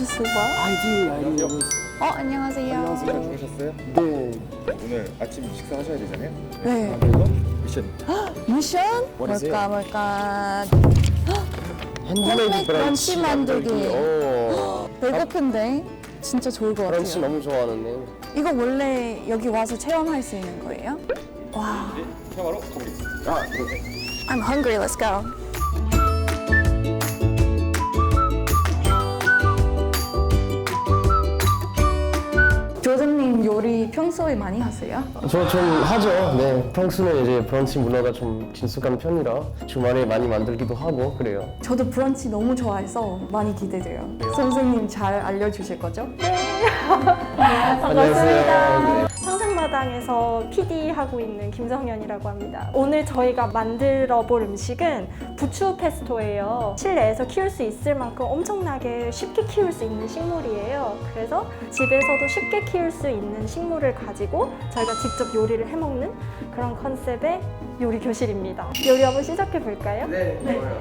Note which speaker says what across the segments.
Speaker 1: 오셨어 봐.
Speaker 2: 아이디.
Speaker 1: 안녕하세요.
Speaker 3: 잘 지내셨어요?
Speaker 2: 네.
Speaker 3: 오늘 아침 식사 하셔야 되잖아요.
Speaker 1: 네.
Speaker 3: 그래서 미션.
Speaker 1: 미션?
Speaker 3: What is
Speaker 1: 뭘까?
Speaker 2: 핸드메이드
Speaker 1: 브런치 만들기.
Speaker 2: 오.
Speaker 1: 배고픈데 진짜 좋을 것
Speaker 2: 브런치
Speaker 1: 같아요.
Speaker 2: 너무 좋아하는데.
Speaker 1: 이거 원래 여기 와서 체험할 수 있는 거예요? 와.
Speaker 3: 이제 체험하러 가보겠습니다.
Speaker 2: 아, 그러게.
Speaker 1: I'm hungry. Let's go. 조선님 요리 평소에 많이 하세요?
Speaker 2: 저 좀 하죠. 네. 평소에 이제 브런치 문화가 좀 친숙한 편이라 주말에 많이 만들기도 하고 그래요.
Speaker 1: 저도 브런치 너무 좋아해서 많이 기대돼요. 선생님 잘 알려주실 거죠?
Speaker 2: 안녕하세요. 네.
Speaker 4: 상상마당에서 PD 하고 있는 김성현이라고 합니다. 오늘 저희가 만들어 볼 음식은 부추 페스토예요. 실내에서 키울 수 있을 만큼 엄청나게 쉽게 키울 수 있는 식물이에요. 그래서 집에서도 쉽게 키울 수 있는 식물을 가지고 저희가 직접 요리를 해먹는 그런 컨셉의 요리 교실입니다. 요리 한번 시작해 볼까요?
Speaker 2: 네. 좋아요.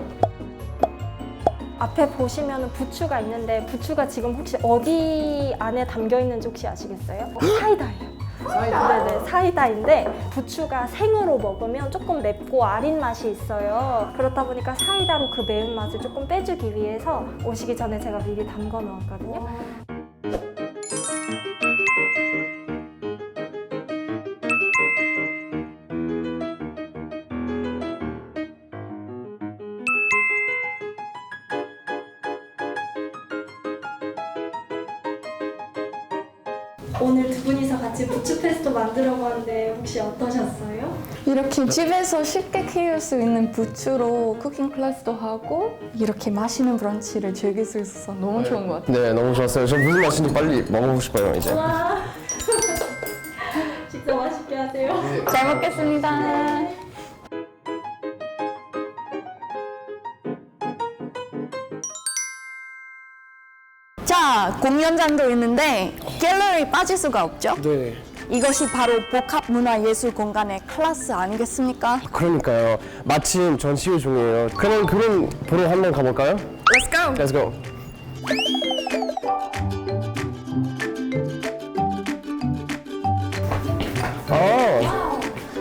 Speaker 4: 앞에 보시면 부추가 있는데 부추가 지금 혹시 어디 안에 담겨 있는지 혹시 아시겠어요? 사이다예요. 네네, 사이다인데 부추가 생으로 먹으면 조금 맵고 아린 맛이 있어요. 그렇다 보니까 사이다로 그 매운맛을 조금 빼주기 위해서 오시기 전에 제가 미리 담궈 놓았거든요. 오늘 두 분이서 같이 부추 페스토 만들어 봤는데 혹시 어떠셨어요?
Speaker 1: 이렇게 집에서 쉽게 키울 수 있는 부추로 쿠킹 클래스도 하고 이렇게 맛있는 브런치를 즐길 수 있어서 너무 좋은 것 같아요.
Speaker 2: 네, 너무 좋았어요. 저 무슨 맛인지 빨리 먹어보고 싶어요, 이제.
Speaker 4: 와 직접 맛있게 하세요.
Speaker 1: 잘 먹겠습니다. 자, 공연장도 있는데 갤러리 빠질 수가 없죠?
Speaker 2: 네.
Speaker 1: 이것이 바로 복합문화예술 공간의 클래스 아니겠습니까?
Speaker 2: 그러니까요. 마침 전 시유 중이에요. 그럼 보러 한번 가볼까요?
Speaker 1: Let's go!
Speaker 2: Let's go. 아,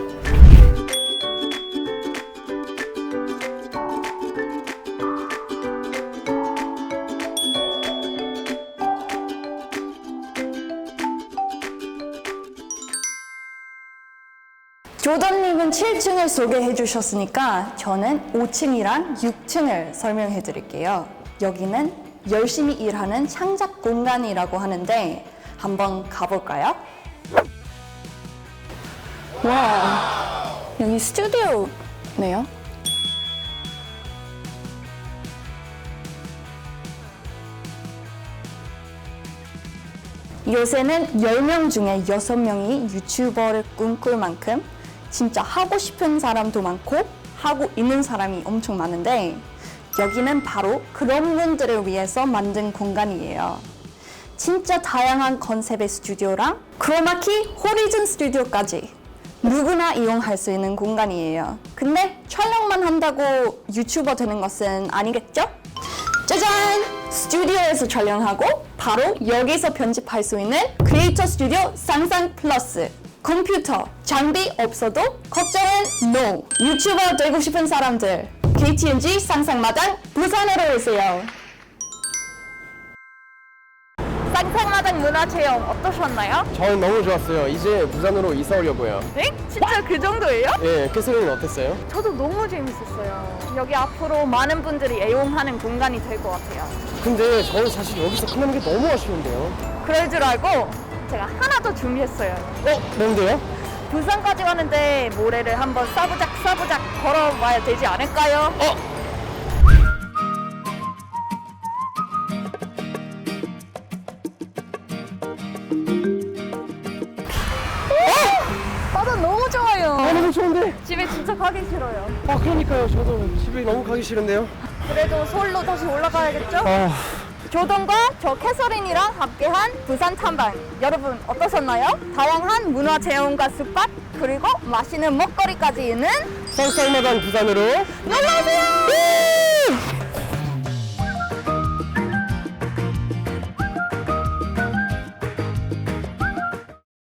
Speaker 1: 조던님은 7층을 소개해 주셨으니까 저는 5층이랑 6층을 설명해 드릴게요. 여기는 열심히 일하는 창작 공간이라고 하는데 한번 가볼까요? 와, 여기 스튜디오네요. 요새는 10명 중에 6명이 유튜버를 꿈꿀 만큼 진짜 하고 싶은 사람도 많고 하고 있는 사람이 엄청 많은데 여기는 바로 그런 분들을 위해서 만든 공간이에요. 진짜 다양한 컨셉의 스튜디오랑 크로마키 호리즌 스튜디오까지 누구나 이용할 수 있는 공간이에요. 근데 촬영만 한다고 유튜버 되는 것은 아니겠죠? 짜잔! 스튜디오에서 촬영하고 바로 여기서 편집할 수 있는 크리에이터 스튜디오 상상 플러스. 컴퓨터, 장비 없어도 걱정은 NO! 유튜버 되고 싶은 사람들, KTNG 상상마당 부산으로 오세요. 상상마당 문화체험 어떠셨나요?
Speaker 2: 저는 너무 좋았어요. 이제 부산으로 이사 오려고요.
Speaker 1: 네? 진짜 그 정도예요?
Speaker 2: 예, 캐서린은 어땠어요?
Speaker 1: 저도 너무 재밌었어요. 여기 앞으로 많은 분들이 애용하는 공간이 될 것 같아요.
Speaker 2: 근데 저는 사실 여기서 끝나는 게 너무 아쉬운데요.
Speaker 1: 그럴 줄 알고 제가 하나 더 준비했어요.
Speaker 2: 뭔데요?
Speaker 1: 부산까지 왔는데 모래를 한번 싸부작 걸어봐야 되지 않을까요? 바다 너무 좋아요.
Speaker 2: 너무 좋은데?
Speaker 1: 집에 진짜 가기 싫어요.
Speaker 2: 아, 그러니까요. 저도 집에 너무 가기 싫은데요.
Speaker 1: 그래도 서울로 다시 올라가야겠죠?
Speaker 2: 아,
Speaker 1: 조던과 저 캐서린이랑 함께한 부산 탐방 여러분 어떠셨나요? 다양한 문화 체험과 스팟 그리고 맛있는 먹거리까지 있는
Speaker 2: 쌍쌍마당 부산으로
Speaker 1: 놀러오세요!